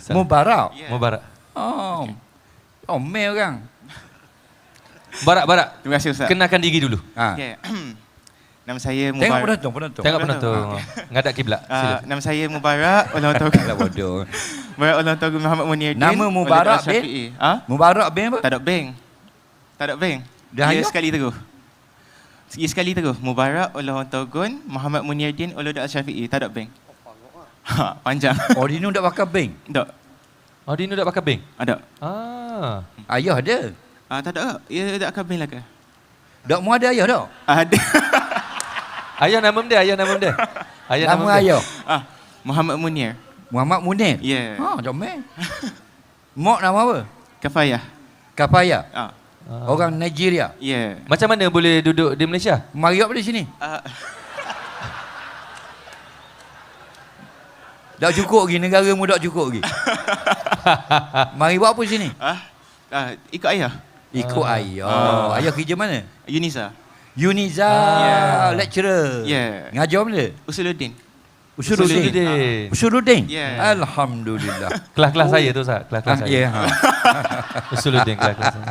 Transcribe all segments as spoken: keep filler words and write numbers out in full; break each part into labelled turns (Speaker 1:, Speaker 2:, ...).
Speaker 1: Mubarak.
Speaker 2: Yeah.
Speaker 3: Mubarak.
Speaker 1: Oh. Oh, meh orang.
Speaker 3: Barak, Barak.
Speaker 2: Terima kasih Ustaz.
Speaker 3: Kenalkan diri dulu.
Speaker 1: Ha.
Speaker 2: Yeah. Nama saya
Speaker 1: Tengok
Speaker 2: Mubarak.
Speaker 1: penonton, penonton.
Speaker 3: Tengok
Speaker 2: penonton.
Speaker 3: penonton. Ngadak kiblat.
Speaker 2: Uh,
Speaker 3: Sila.
Speaker 2: nama saya Mubarak ulang tahun.
Speaker 1: Alah bodoh.
Speaker 2: Mubarak ulang tahun Muhammad Munir Din.
Speaker 1: Nama Mubarak
Speaker 2: Walid Al-Syafi'i. Ha?
Speaker 1: Mubarak bin apa?
Speaker 2: Tak ada bank. Tak ada bank.
Speaker 1: Dah
Speaker 2: Dia
Speaker 1: ayah?
Speaker 2: sekali terus. Sekali sekali terus. Mubarak ulang tahun Muhammad Munir Din Walid Al-Syafi'i. Tak ada bank. Ha, panjang.
Speaker 1: Oh, dia ni tak pakai bank.
Speaker 2: Tak.
Speaker 3: Oh, dia ni dah pakai bank?
Speaker 2: Ada.
Speaker 3: Ah.
Speaker 1: Ayah ada.
Speaker 2: Ah, tak ada. Ya tak akan bank lah ke?
Speaker 1: Dak mu ada ayah dak?
Speaker 2: Ada.
Speaker 3: Ayah nama dia, ayah nama dia. Ayah
Speaker 1: Nama
Speaker 3: dia.
Speaker 1: ayah.
Speaker 2: Ah, Muhammad Munir.
Speaker 1: Muhammad Munir.
Speaker 2: Ya.
Speaker 1: Ha, comel. Mak nama apa?
Speaker 2: Kafayah.
Speaker 1: Kapaya.
Speaker 2: Ah.
Speaker 3: Ah.
Speaker 1: Orang Nigeria.
Speaker 2: Ya.
Speaker 3: Macam mana boleh duduk di Malaysia?
Speaker 1: Mari apa di sini?
Speaker 2: Ah,
Speaker 1: Tak cukup lagi, negara mu tak cukup lagi. Mari buat apa sini?
Speaker 2: ah, ah, ikut ayah.
Speaker 1: Ikut
Speaker 3: Ah.
Speaker 1: ayah.
Speaker 2: Ah.
Speaker 1: Ayah kerja mana?
Speaker 2: Yunisa.
Speaker 1: Uniza,
Speaker 2: Yeah.
Speaker 1: lecturer.
Speaker 2: Yeah.
Speaker 1: Ngajar mana?
Speaker 2: Usuluddin.
Speaker 1: Usuluddin.
Speaker 3: Usuluddin.
Speaker 1: Usuluddin?
Speaker 2: Yeah.
Speaker 1: Alhamdulillah.
Speaker 3: Kelas-kelas saya tu, Ustaz. Kelas-kelas
Speaker 1: Ah,
Speaker 3: saya.
Speaker 1: ya. Ha.
Speaker 3: Usuluddin kelas-kelas saya.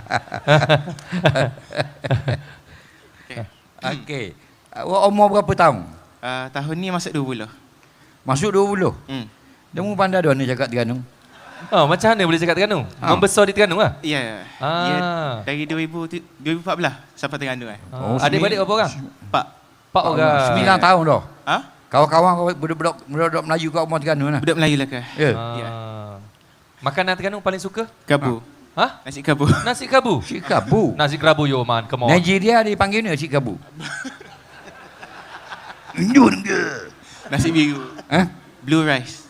Speaker 1: Okey. Awak umur berapa tahun?
Speaker 2: Ah, tahun ni masuk dua puluh.
Speaker 1: Masuk dua puluh.
Speaker 2: Hmm.
Speaker 1: Dia mu pandai dah ni cakap Terengganu.
Speaker 3: Oh, macam mana boleh cakap Terengganu?
Speaker 1: Ah.
Speaker 3: Membesar di Terengganu lah?
Speaker 2: Ya. Yeah.
Speaker 3: Ah.
Speaker 2: Yeah. Dari dua ribu tu- dua ribu empat belas sampai Terengganu kan.
Speaker 1: Oh,
Speaker 3: Oh, adik-beradik berapa orang?
Speaker 2: Pak.
Speaker 3: Empat orang.
Speaker 1: Sembilan tahun dah.
Speaker 2: Ah?
Speaker 1: Kawan-kawan kau budak-budak budak Melayu kat rumah Terengganu lah.
Speaker 2: Budak Melayu lah ke?
Speaker 1: Ya.
Speaker 3: Ah. Makanan Terengganu paling suka?
Speaker 2: Kabu.
Speaker 3: Hah?
Speaker 2: Nasi kabu.
Speaker 3: Nasi kabu.
Speaker 1: Cik Kabu.
Speaker 3: Nasi kerabu yo man, come on.
Speaker 1: Nigeria dipanggil ni Cik Kabu. Indun ke?
Speaker 2: Nasi biru.
Speaker 1: Ha?
Speaker 2: Blue rice.